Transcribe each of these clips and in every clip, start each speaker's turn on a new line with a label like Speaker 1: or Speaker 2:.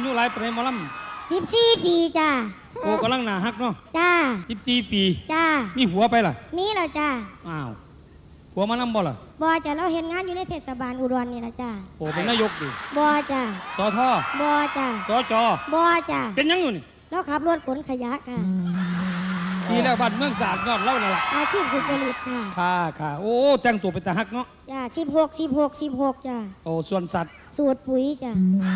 Speaker 1: ยุหลายปานใดหมอล
Speaker 2: ำ14 ปีจ้า
Speaker 1: โอ้กำลังหนาฮักเนาะ
Speaker 2: จ้า
Speaker 1: 14 ปี
Speaker 2: จ้า
Speaker 1: มีผัวไปล่ะ
Speaker 2: มีแล้วจ้า
Speaker 1: อ้าวผัวมานํบ่ล่ะ
Speaker 2: บ่จ้าเราเฮ็ดงานอยู่ในเทศบาลอุดรนี่ล่ะจ้า
Speaker 1: โอ้เป็นนายกดิ
Speaker 2: บ่จ้า
Speaker 1: สท
Speaker 2: บ่จ้า
Speaker 1: สจ
Speaker 2: บ่จ้า
Speaker 1: เป็นหยังอยู่นี่
Speaker 2: เราขับรถขนขยะค่ะ
Speaker 1: ดีแล้วบ้านเมืองสะอาดยอดเล่านั่นล่ะ
Speaker 2: อาชีพสุจริตค่ะ
Speaker 1: ค่ะโอ้แต่งตัวเป็นตาฮักเนาะ
Speaker 2: จ้า16จ้า
Speaker 1: โอ้ส่วนสัตว์
Speaker 2: สูตรปุ๋ยจ้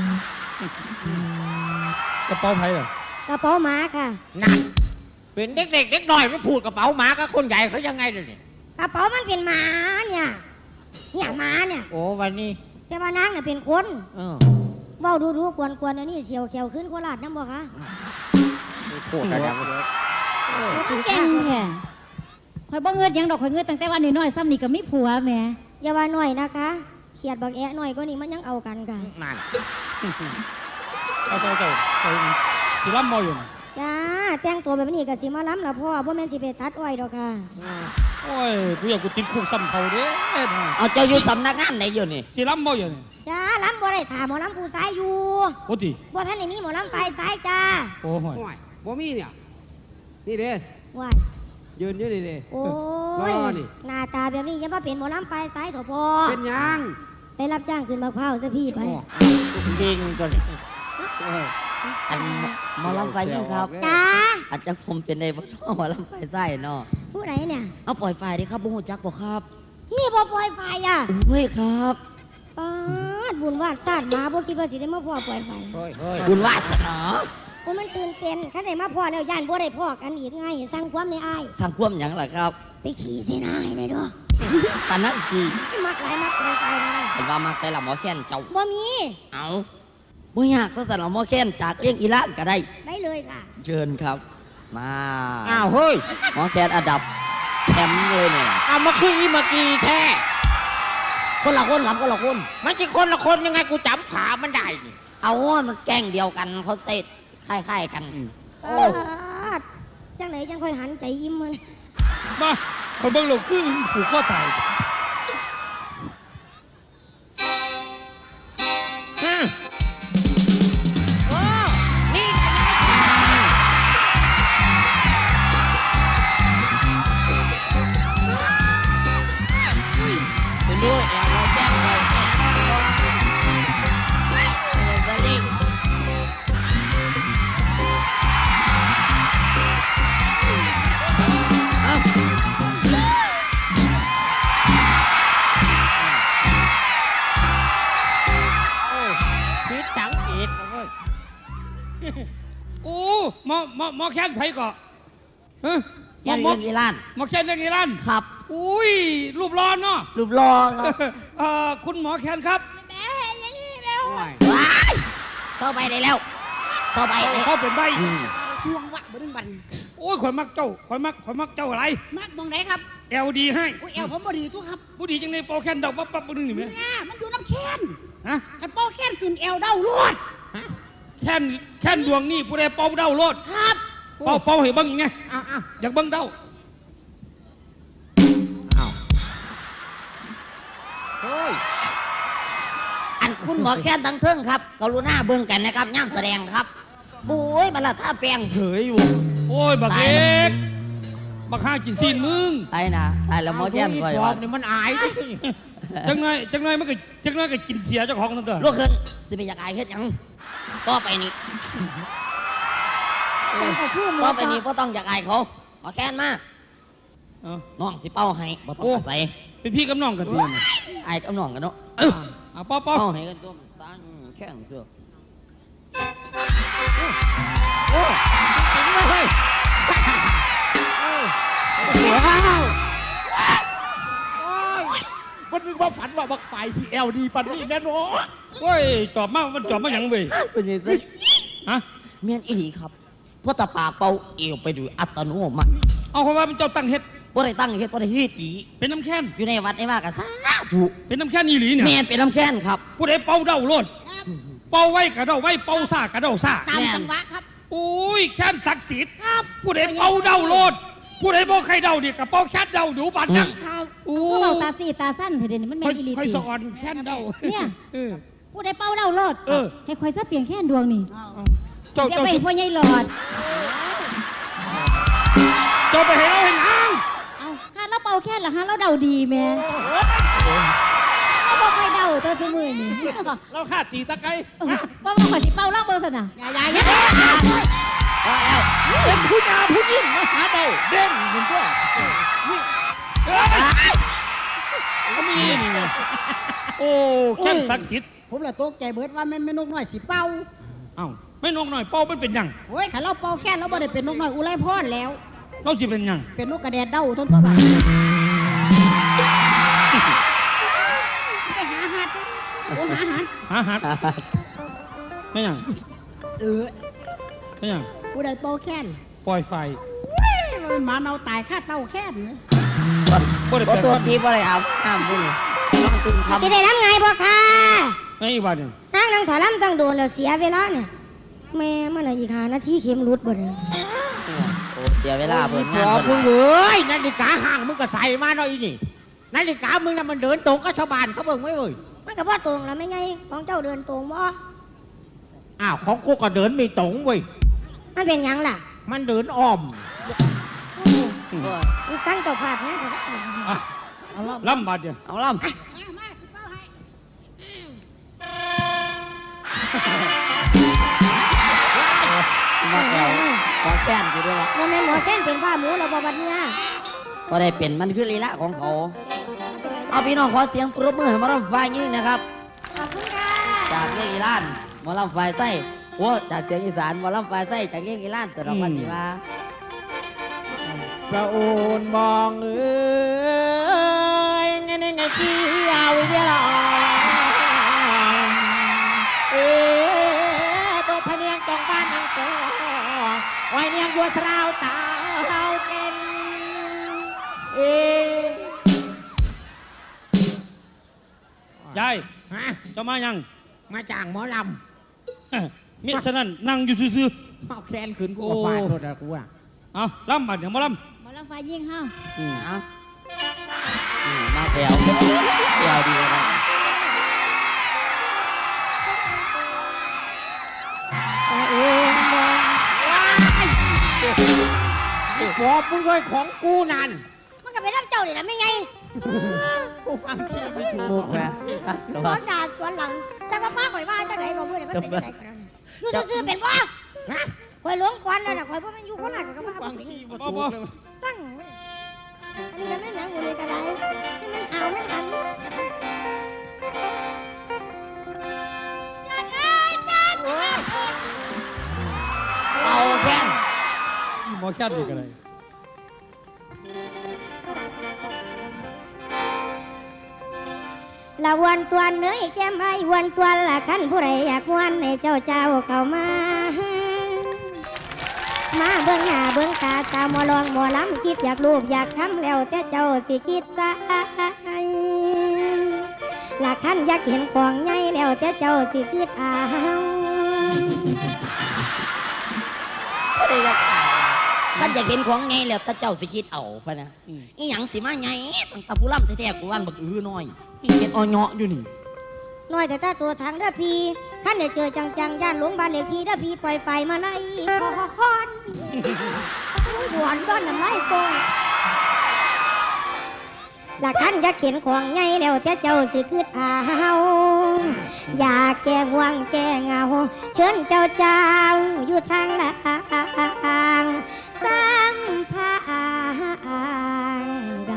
Speaker 1: ากระเป๋าไผล่ะ
Speaker 2: กระเป๋าหมาค่ะ
Speaker 3: นั่นเป็นเด็กๆน้อยไม่พูดกระเป๋าหมากับคนใหญ่เขายังไงเลยเนี่ย
Speaker 2: กระเป๋ามันเป็นหมาเนี่ยหมาเนี่ย
Speaker 3: โอ้วันนี้
Speaker 2: แต่ว่านางเนี่ยเป็นคนเว้าดูกวนอันนี้เสียวเขียวขึ้นโคราชน้ำบ่คะ
Speaker 3: โคตรอะไร
Speaker 4: แก่งแค่ข่อยบ่เงินยังดอกข่อยเงินตั้งแต่วันน้อยๆซ้ำนี่ก็มีผัวแม่
Speaker 2: อย่าว่าน้อยนะคะเขียดบักแอะน้อยก็นี่มันยังเอากันค่ะ
Speaker 3: นั่น
Speaker 1: เจ้าสิล้ำมออยู่
Speaker 2: จ้าแต่งตัวแบบนี้ก็สิมาล้ำละพ่อบ่แม่นสิไปตัดอ้อยดอกค่ะ
Speaker 1: โอ้ยกูอยากกูติดคุกซ้ำเขาเด้
Speaker 3: เอาเจ้าอยู่สำนักงานไหนอยู่นี่
Speaker 1: สิล้ำมออยู่นี่
Speaker 2: จ้าล้ำบ่ได้ถามหมอล้ำผู้สายอยู่
Speaker 1: โอ้ติ
Speaker 2: บ่ท่านได้มีหมอล้ำไฟสายจ้า
Speaker 1: โอ้ย
Speaker 5: บ่มีเนี่ยนี่เด้
Speaker 2: ว้าย
Speaker 5: ยืนอยู่นี่เด้
Speaker 2: โอ้ยหน้าตาแบบนี้ยังมาเป็นหมอล้ำไฟสายเถอะพ่อ
Speaker 5: เป็นยัง
Speaker 2: ไปรับจ้างขึ้นมะพร้าวซะพี่ไป
Speaker 3: จริงก่อนอันหมอลำไฟยิ่งครับ
Speaker 2: จ้า
Speaker 3: อาจจะผมเป็นในบ่ชอบหมอลำไฟไส้เนาะ
Speaker 2: ผู้ไหนเนี่ย
Speaker 3: เอาปล่อยไฟดิครับบุญจักบอกครับ
Speaker 2: นี่บ่ปล่อยไฟอ่ะ
Speaker 3: เฮ้ยครับ
Speaker 2: ปาดบุญวาดซาดมาบ่คิดว่าสิได้มาพ่อปล่อยไฟ
Speaker 3: บุญวาดเนาะ
Speaker 2: โอ้มันตื่นเต้นคันได้มาพ่อแล้วย่านบ่ได้พ่อกันอีกไงสร้างความในอ้าย
Speaker 3: ทำความหยังล่ะครับ
Speaker 2: ไปขี่เสนาให้ได้ด้วย
Speaker 3: ตอนนั้นขี่
Speaker 2: มักหลายมักปล่อยไฟนะ
Speaker 3: เห็นว่ามักแต่ละหมอแค้นเจ้า
Speaker 2: บ่มี
Speaker 3: เอาบ่ยากก็แต่ละหมอแค้นจากเลี้ยงอีหลานก็ได้
Speaker 2: เลยค่ะ
Speaker 3: เชิญครับมา
Speaker 5: อ้าวเฮ้ย
Speaker 3: หมอแค้นอันดับแชมป์เลยเนี่ย
Speaker 5: เอามาคุยเมื่อกี้แท้
Speaker 3: คนละคนครับคนละคน
Speaker 5: มันจะคนละคนยังไงกูจำขามันได้นี่
Speaker 3: เอาว่ามันแกล้งเดียวกันเขาเซตคล้ายๆกัน
Speaker 2: โอ้จังไหนจังค่อยหันใจยิ้มมัน
Speaker 1: มาคนเบิ่งโลกคือผูกข้อตายหมอแค้นไผก่อ
Speaker 3: แค้นเรื่องอีหลาน
Speaker 1: หมอแค้นเรื่องอีหลาน
Speaker 3: ครับ
Speaker 1: อุ้ยรูปร้อนเนาะ
Speaker 3: รูปร้อน
Speaker 1: คุณหมอแค้นครับ
Speaker 2: แม่เห็นอย่างนี้แล้ว
Speaker 3: เข้าไปได้แล้วเข้าไป
Speaker 1: เขาเป็นใบ
Speaker 5: ช่วงวัดบนบัน
Speaker 1: โอ้ยข่อยมักเจ้าอะไร
Speaker 5: มักมองไหนครับ
Speaker 1: เอลดีให้
Speaker 5: เอลผมบ่ดีทุกครับ
Speaker 1: บ่ดีจังในโปแค้นเดาปั๊บนึงนี่แม่
Speaker 5: มันอยู่น้ำแค้น
Speaker 1: ฮะ
Speaker 5: คันโปแค้นขึ้นเอลเดาโลด
Speaker 1: แค้นดวงนี่ผู้ใดเป่าเดาโลด
Speaker 5: ครับ
Speaker 1: เป่าให้เบิ่งไงอยากเบิ่งเดา
Speaker 3: เฮ้ยอันคุณหมอแค้นทั้งเทิงครับกรุณาเบิ่งกันนะครับย่ามแสดงครับบุ้ยบัลลัดท่าแปลงเฉยอยู่
Speaker 1: โอ้ยบักเล็กบักห้ากินซีนมึง
Speaker 3: ไอ้นะไอ้แล้วหมอแค้น
Speaker 5: ก่อยว่านี่มันอาย
Speaker 1: จังไงมันก็กินเสียเจ้าของนั่นเถอะ
Speaker 3: ลูกขึ้นสิไปอยากอายเฮ็ดหยังก็ไปนี่ก็ไปนี่ก็ต้องอยากอายเขาหมอแค้นมาน้องสิเป้าให้บ่ต้องใส่
Speaker 1: เป็นพี่กับน้องกันดี
Speaker 3: อายกับน้องกันเนาะ
Speaker 1: เป้า
Speaker 3: ให้กันตัวสั้นแข้งเสือ
Speaker 5: โอ้จริงไหมเฮ้ยว้าวมันนึกว่าฝันว่าบักไฟที่เอลดีปันนี่แน่นอน
Speaker 1: โอ้ยจอบมามันจอบมาอย่างเว้ย
Speaker 3: เป็นยังไงฮะเมียนอีหลีครับเพราะตาปากเป่าเอวไปดูอัตโนมัติ
Speaker 1: เอาเพราะว่าเป็นเจ้าตั้งเฮ็ด
Speaker 3: บ่ได้ตั้งเฮ็ดบ่ได้เฮ็ดอี
Speaker 1: เป็นน้ำแค้น
Speaker 3: อยู่ในวัดในว่ากันซะถูก
Speaker 1: เป็นน้ำแค้นอีหลีเนี่ย
Speaker 3: แม่นเป็นน้ำแค้นครับ
Speaker 1: ผู้ใดเป่าเดาโลดเป่าไว้กระเดาไว้เป่าซ่ากระเดาซ่า
Speaker 5: ตามจังหวะครับ
Speaker 1: โอ้ยแค้นศักดิ์สิทธิ์ครับผู้ใดเป่าเดาโลดผู้ใดบ่ใครเดาเนี่ยกับเป่าแค้นเดาดูบัดจัง
Speaker 4: โอ้เราตาสีตาสั้นเถิดนี่มันแม่นอีหลี
Speaker 1: ค่อยสอนแค้นเดา
Speaker 4: เนี่ยผู้ใดเป่าเล่าโลดให้คอยซะเปลี่ยนแค่ดวงนี่
Speaker 1: เจ้า
Speaker 4: จะไปพ่อใหญ่หลอด
Speaker 1: เจ้าไปให้เราเห็นหาง
Speaker 4: เอาหาเราเป่าแค่ละหาเราเดาดีแม่เราบอกใครเดาตัวสมือนี่
Speaker 5: เราฆ่าตีตะไคร้
Speaker 4: ว่ามาขอสิเป่าล่างเบอร์สนะ
Speaker 3: อย่า
Speaker 1: เป็นผู้หญิงผู้หญิงมาหาเดาเด่นเหมือนตัวก็มีนี่ไงโอ้แค่ศักดิ์สิทธิ์
Speaker 6: ผมละตกใจเบิดว่าแม่นนกน้อยสิเป่า
Speaker 1: เอ้าไม่นกหน่อยเป้ามันเป็นหยัง
Speaker 6: โอ้ยขันเราเป่าแค่เราบ่ได้เป็นนกน้อยอุไรพรแล้ว
Speaker 1: เราสิเป็นหยัง
Speaker 6: เป็นนกกระแดดเด้าทนตัวบ้าไปหาหัดโอ้หาหัด
Speaker 1: หาหัดไม่หยัง ไม่หยัง
Speaker 6: ผู้ใดเป่าแค่น
Speaker 1: ปล่อยไฟ
Speaker 6: มันเป็นหมาเนาตายค่าเต้าแค่นนะ
Speaker 1: บ่ได้
Speaker 3: บ่
Speaker 1: แปล
Speaker 3: ตัว
Speaker 1: ว่า
Speaker 3: พี่บ่ได้เอาห้ามบุญนอนตื่นทำ
Speaker 2: สิได้รับไงบ่ค่ะ
Speaker 1: ไอ้บ้านนี่
Speaker 2: นั่งถอลำต้องโดนแล้วเสียเวลาเนี่ยแม่มันอีก5 นาทีเข็มรุดบ่เนี่ย
Speaker 3: โอ้เสียเวลาเพิ่น
Speaker 5: ข
Speaker 3: งาน
Speaker 5: อ
Speaker 3: เพิ่น
Speaker 5: มึงเว้ยนาฬิกาห่างมึงก็ใส่มาหน่อยนี่นาฬิกามึงน่ะมันเดินตรงกับชาวบ้านเขาเบิ่งไม่เว้ย
Speaker 2: มันก็บ่ตรงแล้วไม่ไงของเจ้าเดินตรงบ่
Speaker 5: อ้าวของกูก็เดินไม่ตรงเว้ย
Speaker 2: มันเป็นหยังล่ะ
Speaker 5: มันเดินอ้อม
Speaker 2: มันตั้งเจ้าภาพเนี่ย
Speaker 1: อ่ะล่ำบาดเดียว
Speaker 3: เอาล่ำ มาแก้วขอแป้นอยู่ด้วยละ
Speaker 2: บ่แม่นหมอเส้นเป็นบ้าหมูแล้วบ่บัดเนี่ย
Speaker 3: ก็ได้เป็นมันคือลีลาของเขา เอาพี่น้องขอเสียงปรบมือให้หมอลำไฟยืนนะครับ
Speaker 2: ขอบคุณค่ะ
Speaker 3: จากเรื่องอีรานหมอลำไฟไส้โอ้จากเสียงอีสานหมอลำไฟไส้จากเรื่องอีรานแต่เราวันนี้ว่า
Speaker 5: พระโอนมองเอ้ยในที่เอาเวลาโดยพเนียงจองบ้านนางโตไว้เนียงบัวสาวตาเฮาเก่น
Speaker 1: ยาย
Speaker 5: ฮะ
Speaker 1: เจะมายัง
Speaker 5: มาจ้างหมอล
Speaker 1: มิฉะนั้นนั่งอยู่ซื่อ
Speaker 5: ำเอาแคนขืนกูกับบ้านโทษนะกูอ่ะ
Speaker 1: ๆเอาล่ำบาดเดี๋ยวมาล่
Speaker 4: หมอลำไฟยิ่งห้า
Speaker 3: เอามาแก้วแก้วดีเลยนะ
Speaker 5: บอกมึงเลยของกูนั่น
Speaker 2: มันก็ไปรับเจ้านี่ล่ะไม่ไง
Speaker 5: กูฟังที่ไม่ถู
Speaker 3: มุ
Speaker 5: ก
Speaker 3: กนะ
Speaker 2: สวนหน้าสวนหลังแต่ก็ป้าข่อยว่าจังไดบ่พูดให้มันเป็นจังไดกันอยู่ซื่อๆเป็นบ่
Speaker 5: ฮะ
Speaker 2: ข่อยหลวงควันแล้วน่ะข่อยบ่แม่นอยู่โคราชก็มา
Speaker 5: ฟัง
Speaker 2: บ่
Speaker 5: ที่ไม่ถูกเลย
Speaker 2: ตั้งไว้อันนี้ยังไม่หนังอยู่ในกระไดนี่มันเอามันหันจัดเลยจัด
Speaker 5: เอาแค่
Speaker 1: ำหมอแค่ดีกันเลย
Speaker 2: ละวันตัวเนื้อแก้มไอ้วันตัวละคันผู้ใดอยากวันให้เจ้าเข้ามา มาเบิ่งหน้าเบิ่งตาตาหมอลองหมอลำคิดอยากรูปอยากทำแล้วแต่เจ้าสิคิดซะละคันอยากเห็นของใหญ่แล้วแต่เจ้าสิคิดเอา
Speaker 3: มันอยากเห็นของไงแล้วตาเจ้าสิคิดเอาไปนะอีหยังสิมาไงตั้งตาผู้ล่ำแท้ๆกูวันบักน้อยเห็นอ่อนเหาะอยู่นี่
Speaker 2: น้อยแต่ตาตัวทางเด้อพี่ขั้นได้เจอจังๆย่านหลงบ้านเลขที่เด้อพี่ปล่อยไฟมาไล่คอนหวนก้อนน้ำลายโป่งละคันอยากเห็นของใหญ่แล้วแต่เจ้าสิคิดเอาอยากแก้ห่วงแก้เหงาเชิญเจ้าอยู่ทางหลังสร้างพางใด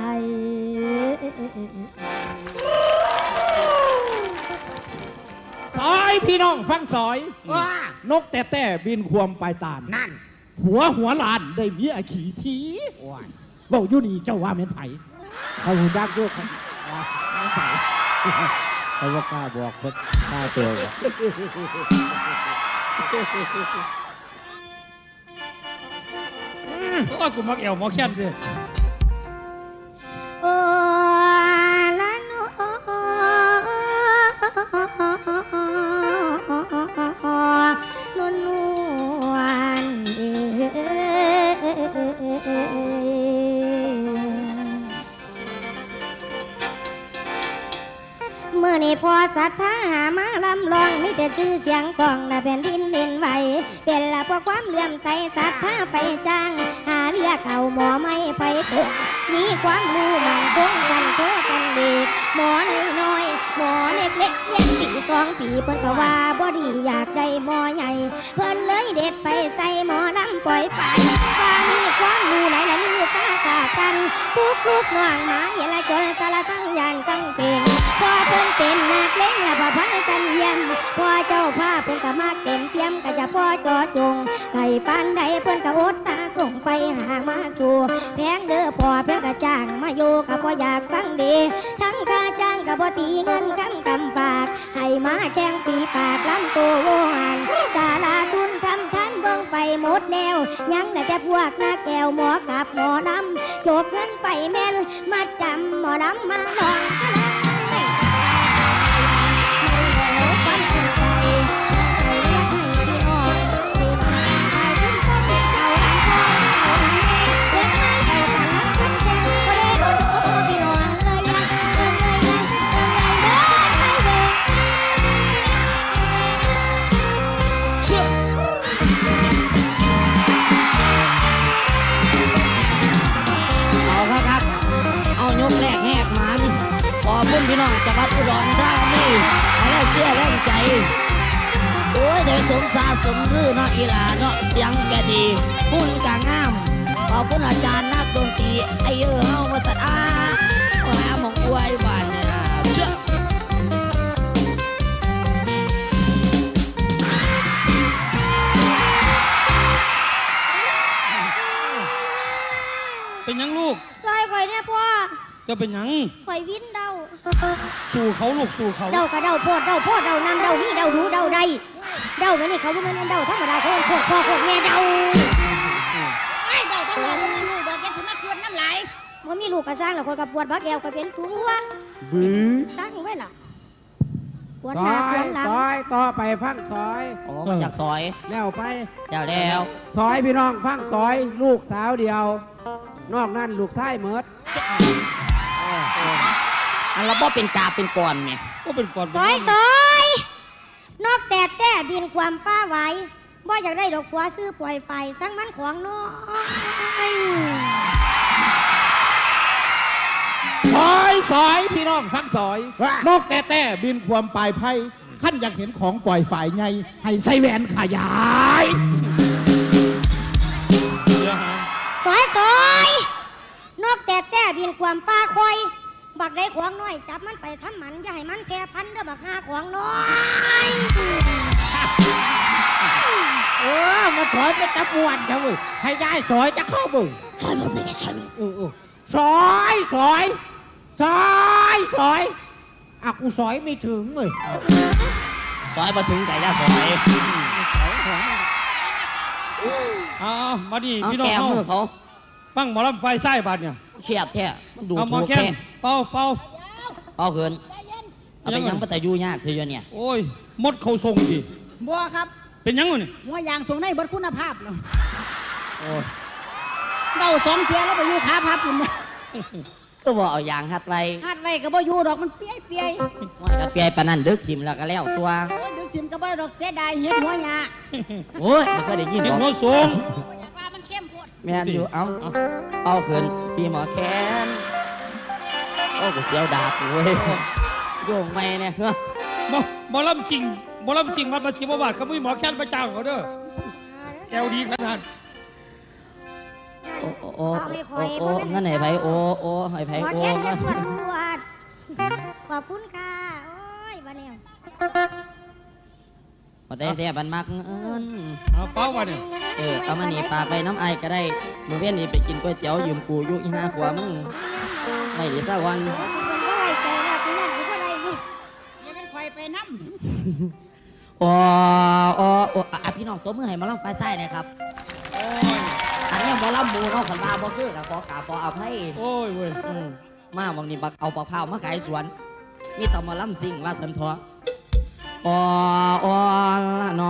Speaker 5: ซอยพี่น้องฟังซอย
Speaker 3: ว้าน
Speaker 5: กแต่บินควมปลายตาล
Speaker 3: นั่น
Speaker 5: หัวลานได้เมียขี่ทีบอกอยู่นี่เจ้าว่าเม็นไผ่เขาหูดักด้วยเขาไม่ใส่
Speaker 6: เขาว่ากล้าบอกเพิ่นกล้าตัวบอก
Speaker 1: โอ้ยกูมักแอวหมอแค่นดิ
Speaker 2: โอ้ละโนนวลเมื่อนี้พอศรัทธาหามาลำลองมีแต่ชื่อเสียงกองและแผ่นดินเล่นไหวเป็นละเพราะความเลื่อมใสศรัทธาไปจ้างหาเลือกเอาหมอไม่ไปตกมีความรู้มั่นคงกันโตกันเด็กหมอน้อยๆหมอเล็กๆเลี้ยงปี2 ปีเพิ่นก็ว่าบ่ดีอยากได้หมอใหญ่เพิ่นเลยเด็ดไปใส่หมอลำปล่อยไปว่ามีความรู้หลายละมีตากันลูกน้องหมาเยละจนสารทั้งยานตั้งเป็นพอเพิ่นเป็นนักเล่นละพอพันกันเยี่ยมพอเจ้าภาพเพิ่นก็มาเต็มเปี่ยมก็จะพ่อจอจงไก่ปานใดเพิ่นก็อดตาส่งไปหามาสู่แพงเด้อพอเพิ่นก็จ้างมาอยู่ก็บ่อยากฟังดีทั้งค่าจ้างก็บ่ตีเงินกันกำปากให้มาแข่งปีปากลำโตโวหันสาราทุนทำทันเบิ่งไปหมดแนวยังแต่พวกหน้าแก้วหมอกับหมอลำโจกเงินไปแม่นมาจำหมอลำมาลอง
Speaker 3: พี่น้องจังหวัดอุดรธานีให้เราเชื่อแรงใจโอ้ยเดี๋ยวสมซาสมรื่อเนาะอีหลาเนาะเสียงแกดีพูดกางามขอบคุณอาจารย์นักดนตรีไอเฮามาตัดหาหมองอวยบ้านเนี่ยเชื่อ
Speaker 1: เป็นยังลูก
Speaker 2: ซอยข่อยเนี่ยพ่อ
Speaker 1: จะเป็นยัง
Speaker 2: ข่อยวินเดา
Speaker 1: สู่เขาลูกสู่เขา
Speaker 2: เดากระเดาโพดเดาโพดเดานำเดานี่เดาหูเดาใดเดาแบบนี้เขาบ่แม่นเดาธรรมดาเขาโคตรพ่อโคตรแม่เดา
Speaker 4: ไอ้เดาทั้งหมดมีลูกบอกแกสิมาชวนน้ำไหล
Speaker 2: บ่มีลูกก็สร้างแล้วคนก็ปวดบักแอวก็เป็นตัว
Speaker 5: บื้อ
Speaker 2: ตั้งไว้ล่ะปวด
Speaker 5: ซ
Speaker 2: หน้า
Speaker 5: อ
Speaker 2: ปวย ดหลัง
Speaker 5: ซอยต่อไปฟังซอย
Speaker 3: โอ้มาจากซอย
Speaker 5: แล้วไป
Speaker 3: แล้ว
Speaker 5: ซอยพี่น้องฟังซอยลูกสาวเดียวนอกนั้นลูกชายเมิด
Speaker 3: อันเราบ่เป็นกาเป็นก่อนไง
Speaker 1: ก็เป็นก่อน
Speaker 2: ซอยนอกแต่บินความป้าไหวบ่อยากได้ดอกผัวซื้อปล่อยไปทั้งมันของน้อย
Speaker 5: ซอยพี่น้องฟังซอยนอกแต่บินความปลายไพ่ขั้นอยากเห็นของปล่อยฝ่ายไงให้ใส่แหวนขยาย
Speaker 2: ซอยนอกแต่บินความป้าคอยบักได้ของน้อยจับมันไปทำหมันอย่าให้มันแก่พันเด้อบักหาของน้อย
Speaker 5: มาถอยไปจับปวนจ้ะเว้ยให้ยายซอยจะเข้าบึง
Speaker 3: ซอยมันไม่ใช่ฉัน
Speaker 5: ซอยอ่ะกูซอยไม่ถึงเลย
Speaker 3: ซอยมาถึงไก่ย่าซอย
Speaker 1: มาดิพี่น้อง
Speaker 3: เขา
Speaker 1: ฟังหมอลำไฟไส้บาดเนี่ย
Speaker 3: เครียดแท้มันดู
Speaker 1: เอาหมอแค้นเป่า
Speaker 3: เขินเอาไปยังปัตตายูเนี่ยคือเนี่ย
Speaker 1: โอ้ยมดเขาทรงดิ
Speaker 4: บัวครับ
Speaker 1: เป็นยังไงเนี่ย
Speaker 4: หัวยางทรงในบทคุณภาพเนาะเดา2 เทียแล้วไปอยู่ขาพับอยู่เนี่ย
Speaker 3: ก็บอกเอายางหัดไร
Speaker 4: ก็บ่อยู่ดอกมันเปีย
Speaker 3: มันก็เปียปานนั้นดึกทิมแล้วก็แล้วตัว
Speaker 4: ดึกทิมก็บ่ดอกเสียดายเห็ดหัวยา
Speaker 3: โอ้ยมันก็ได้ยินบอก
Speaker 1: หัวสูง
Speaker 4: มันเข้มโพด
Speaker 3: แม่นอยู่เอาเขินพี่หมอแค้นโอ้กูเสียวดาบเว้ยโยงไม่เนี่ย
Speaker 1: หมอลำสิงวัดประชิมบาทเขาไม่หมอแค้นประจ้างเขาเด้อแก้วดีขนาด
Speaker 3: โอ้งั้นไหนไผโอ้ไผโอ้
Speaker 2: ขอบคุณค่ะโอ้ยบ้านเนี่ย
Speaker 3: พอได้แต่บันมัก
Speaker 1: เอาเป้าบ้านเนี่ย
Speaker 3: เอามาหนีปลาไปน้ำไอก็ได้มือเว้นนี่ไปกินก๋วยเตี๋ยวยืมกูยุอีห้าขวมึงไม่ได้สักวัน
Speaker 4: ไปน้
Speaker 3: ำพี่น้องตัวมือให้มาล่องไฟใต้นะครับอันนี้บอลำบูเนาะขันมาบอคือกับขอกาบอเอาให้
Speaker 1: โอ้ยเว้ย
Speaker 3: มาบางนี้บักเอาปลาเผามาขายสวนมีต่อมาล่ำซิงว่าสันทอละน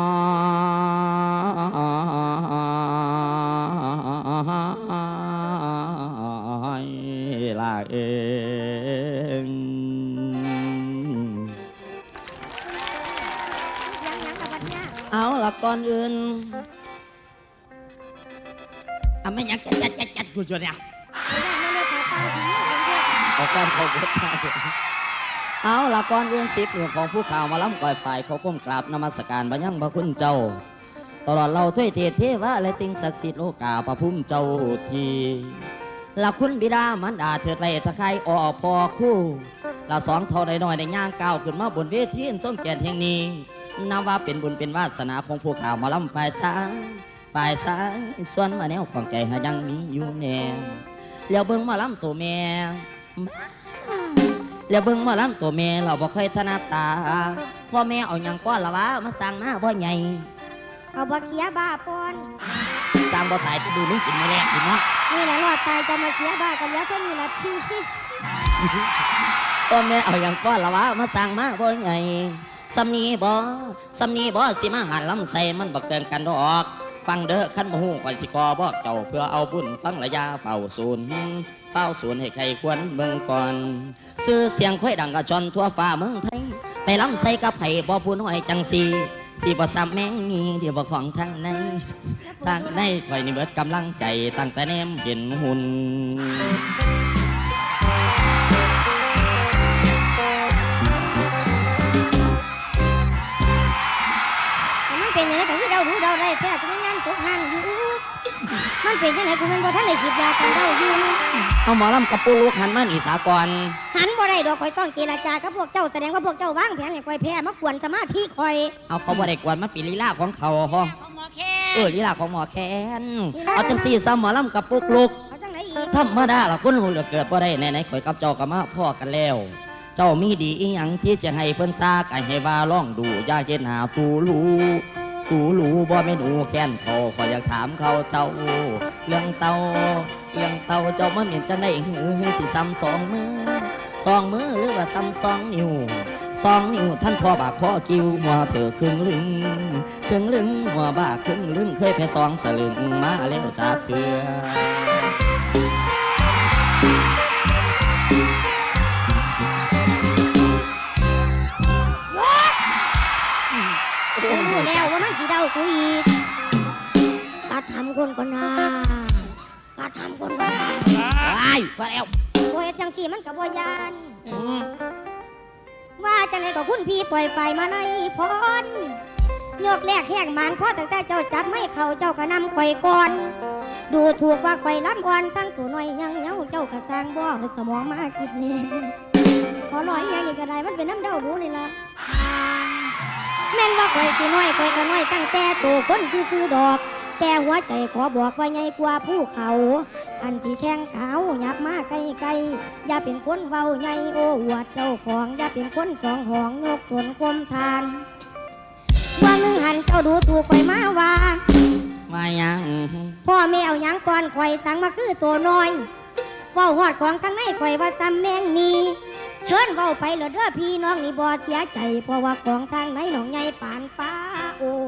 Speaker 3: อลาเองอนอื่นไม่อยากจัดกูจนเนี่ยเอาการเขาบดเอาละก่อนอื่นสิบเรื่องของผู้ข่าวมาล้ำก่อยฝ่ายเขาก้มกราบนมัสการบรรยังพระคุณเจ้าตลอดเราถ้วยเทศเทวะและสิ่งศักดิ์สิทธิ์โลกาพระพุ่มเจ้าทีละคุณบิดามันดาเถิดไปตะไคร้ออกพอคู่ละสองเท่าใดน้อยในย่างก้าวขึ้นมาบนเวทีส้มแก่นแห่งนี้นับว่าเป็นบุญเป็นวาสนาของผู้ข่าวมาล้ำฝ่ายซ้ายส่วนมาแนวของใจหายังมีอยู่แน่แล้วเบิ่งมาล้ำตัวแม่แล้วเบิ่งมาล้ำตัวแม่เราบ่เคยถนัดตาพ่อแม่เอาหยังก้อนละวะมาสั่งมาบ่ใหญ่
Speaker 2: เอาบ่เคียบ้าปอน
Speaker 3: สร้างบ่ตายจะดูมึงกินไม่แลกกินเนาะ
Speaker 2: นี่แหละรอดตายจะมาเคียบ้ากันแล้วก็นี่แหละพี่สิ
Speaker 3: พ่อแม่เอาหยังก้อนละวะมาสั่งมาบ่ใหญ่สำนีบ่สิมาหันลำใส่มันบ่เกินกันดอกฟังเด้อขั้นบ่ฮู้ก่อนสิกอบอกเจ้าเพื่อเอาบุญฟังระยะเฝ้าศูนย์ให้ใครควรเบิ่งก่อนซื้อเสียงค่อยดังกระชอนทั่วฟ้าเมืองไทยไปลำใส่กับไผบ่ผู้น้อยจังสีบ่ซ้ำแมงมีเดี๋ยวบ่ของทางในข่อยนี่เบิดกำลังใจตั้งแต่แนมเห็นหุ่น
Speaker 2: เป็นยังไงถึงเดารู้เดาได้แท้ที่นั่นตกหันอยู่มันเป็นยังไงกูมันบ่ทันได้ฉีดยากันเดาอยู่
Speaker 3: เอาหมอลำกับปูลูกหันมาหนีสากร
Speaker 2: หันบ่ได้ดอกข่อยต้องเจรจากับพวกเจ้าแสดงว่าพวกเจ้าวางแผนให้ข่อยแพ้มากวนสมาธิข่อย
Speaker 3: เอาเขาบ่ได้กวนมาปีลีลาของเขาลีลาของหมอแคนเอาจังซี่ซ้ำหมอลำกับปูลูกธรรมดาล่ะคนหูเหลือเกิดบ่ได้ไหนข่อยกับเจ้าก็มาพ่อกันแล้วเจ้ามีดีอีหยังที่จะให้เพิ่นซาไก่ให้ว่าลองดูอย่าเห็นหาตูรู้บ่แม่นอูแค้นเขาขออยากถามเขาเจ้าเรื่องเต่าเจ้ามาเหม็นจะได้หือสิซ้ำสองมือหรือว่าซ้ำ2 นิ้วท่านพ่อบากพ่อกิ้วหัวเถอครึ่งลึงหัวบากครึ่งลึงเคยแพ้2 สลึงมาแล้วจากเถื่อ
Speaker 2: รู้แล้วว่ามันสิเดากูอีกกัดทำคนก่อนนะไอ้
Speaker 3: ว่าแล้ว
Speaker 2: โอ้ยจังสีมันกับบ่ยานว่าจังไงก็คุณพี่ปล่อยไฟมาในพรยกแรกแห้งมันเพราะตั้งแต่เจ้าจับไม่เข้าเจ้าก็นำข่อยก่อนดูถูกว่าข่อยล้ำอ่อนทั้งตัวน้อยยังเย้าเจ้ากระซังบ่สมองมาคิดนี่ขอลอยยังอีกกระไดมันเป็นน้ำเดารู้นี่ละแม่นว่าข่อยสิน้อยข่อยก็น้อยตั้งแต่โตคนคือดอกแต่หัวใจขอบอกว่าใหญ่กว่าภูเขาอันที่แข้งขาวหยับมาไกลอย่าเป็นคนเว้าใหญ่โอ้อวดเจ้าของอย่าเป็นคนจองหองยกตนคมทานว่านึงหันเจ้าดูถูกข่อยมาว่า
Speaker 3: ยัง
Speaker 2: พ่อแม่เอาหยังก่อนข่อยสั่งมาคือตัวน้อยเว้าฮอดของข้างในข่อยว่าตำแมงนีเชิญเว้าไปเหลือเด้อพี่น้องนี่บ่เสียใจเพราะว่าของทางไหนหนองใหญ่ปานฟ้าโอ้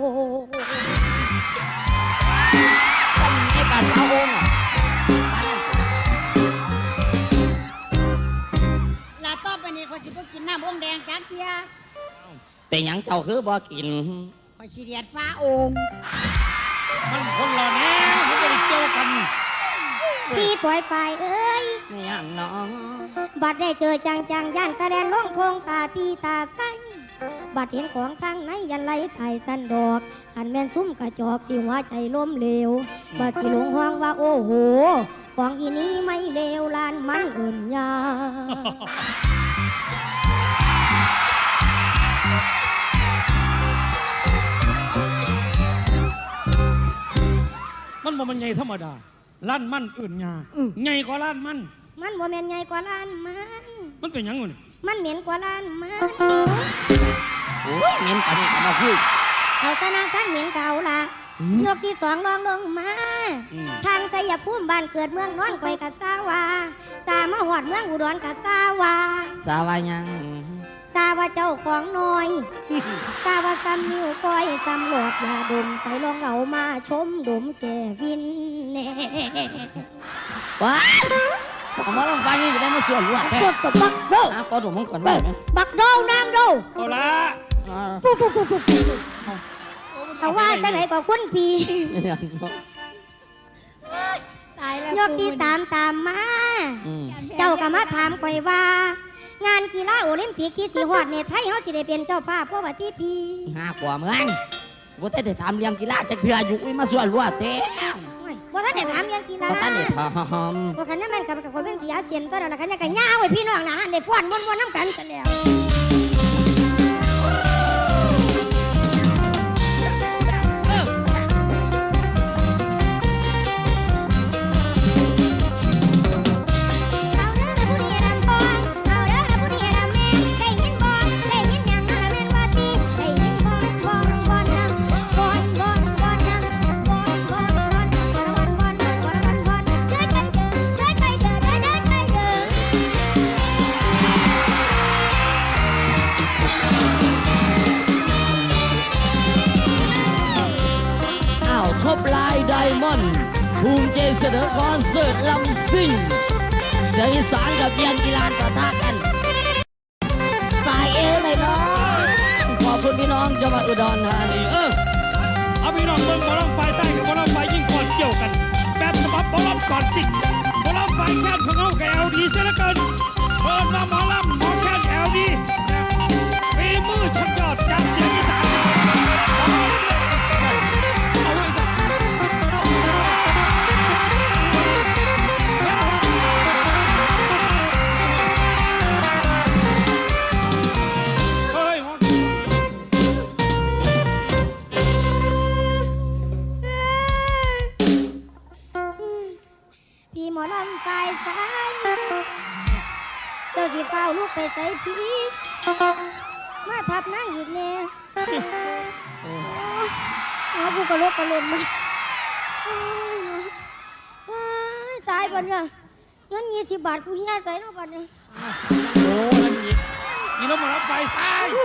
Speaker 3: ไอ้ปานฟ้าโอ่ง
Speaker 4: ลาต่อไปนี้เขาสิบ่กินน้ำองค์แดงจักเที่ย
Speaker 3: เป็นหยังเจ้าคือบ่กิน
Speaker 4: ข่อยสิเดียดฟ้าโอ่ง
Speaker 1: มันคนละแนวมันบ่ได้เกี่ยวกัน
Speaker 2: พี่ปล่อยไปเอ้ย
Speaker 3: ไม่ยังน้อง
Speaker 2: บัดได้เจอจังย่านตะแลนล่องโคงตาตีตาใสบัดเห็นของทางไหนยันไหลไทยสันดอกขันแม่นซุ้มกระจอกสิหัวใจล้มเหลวบัดสิหลงห้องว่าโอ้โหของอีนี้ไม่เลวลานมันเอิ่นยา
Speaker 1: มันบ่มันใหญ่ธรรมดาล้านมันอื่นยาใหญ่กว่าล้านมัน
Speaker 2: บ่แม่นใหญ่กว่าล้าน
Speaker 1: มันเป็นหยังนี่
Speaker 2: มันเหม็นกว่าล้านมัน
Speaker 3: โอ้ยเหม็นกันมาพูด
Speaker 2: เอาตะนางกันเหม็นเก่าล่ะยกที่2ลองลงมาทางชัยภูมิบ้านเกิดเมืองนอนข่อยกะสาวาตามาหอดเมืองอุดรกะสาวา
Speaker 3: ยัง
Speaker 2: ตาว่าเจ้าของน้อยตาว่าซ้ำนิ้วก้อยซ้ำหลอดยาดมใส่ลองเอามาชมดมแก่วินแน่
Speaker 3: ว้าเอามาลองฟังนี่จะได้มาส่วนรวดแท้
Speaker 2: บักโด
Speaker 3: ก็ดูมึงก่อนได้ไหม
Speaker 2: บักโดน้ำโด
Speaker 1: เอาละ
Speaker 2: ปุ๊บ
Speaker 1: โอ้มัน
Speaker 2: เขาว่าจังไหนก็คุณพี่
Speaker 4: ตายแล้ว
Speaker 2: ยกที่ตามมา เจ้าก็มาถามข่อยว่า งานกีฬาโอลิมปิกที่สีฮอดเนี่ยไทยเฮาสิได้เป็นเจ้าภาพเพราะว่าที่พี่
Speaker 3: ห้ากว่าเมืองบ่ได้ถามเรื่องกีฬาจักเทื่ออยู่มาส่วนรัวเต้
Speaker 2: บ่ทันได้ถามเรื่องกีฬา
Speaker 3: บ่ทันได้ถาม
Speaker 2: บ่คันนั้นแม่นกับคนเป็นเสียเสียนตัวแล้วคันยังก็ย่าวไว้พี่น้องนะหันได้ฟ้อนม่วนๆนำกันซะแล้ว
Speaker 3: ท็อปไลน์ไดมอนด์ภูมิใจเสนอคอนเสิร์ตลำซิ่งเสียงอีสานกับเยียนกีฬาประทะกันสายเอเลยน้องขอบคุณพี่น้องจังหวัดอุดรธานี
Speaker 1: เอาพี่น้องเบิ่งหมอลำไฟใต้กับหมอลำไฟยิ่งก่อนเกี่ยวกันแบบฉบับหมอลำก่อนสิหมอลำไฟแค่ของเขากับเอลดีเสียเหลือเกินเปิดมาหมอลำหมอแค่เอลดีฝีมือชั้นยอดจากเสียงอีสาน
Speaker 2: พี่หมอลำไฟสายเจ้าสิเฝ้าลูกไปใส่พี่มาทับนั่งอีกแล้วเอาผู้กระโลกกระลนมาตายก่อนเนี่ยเงิน20 บาทกูเฮียใส่แล้วก่อนเนี่ย
Speaker 1: โอ้ยนี่เราหมอลำไฟใต้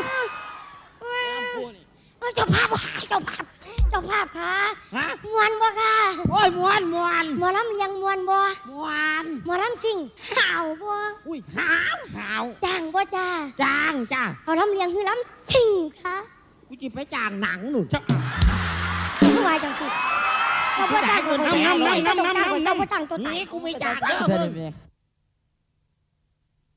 Speaker 2: เจ้าภาพค่ะมวนบ่ค่ะ
Speaker 3: โอ้ยมวน
Speaker 2: หมอลำเลียงมวนบ่
Speaker 3: มวน
Speaker 2: หมอลำซิ่งข่าวบ่
Speaker 3: อุ้ยหาว
Speaker 2: จ้างบ่จ้า
Speaker 3: จ้างจ้า
Speaker 2: เอาลำเลียงคือลำซิ่งค่ะ
Speaker 3: กูจิไปจ้างหนังหนู
Speaker 2: ผู้วายจังสิเขาบ่จ้างคนเดียวเจ้าบ่จ้างตัวตาย
Speaker 3: นี่กูไม่จ้างเด้อ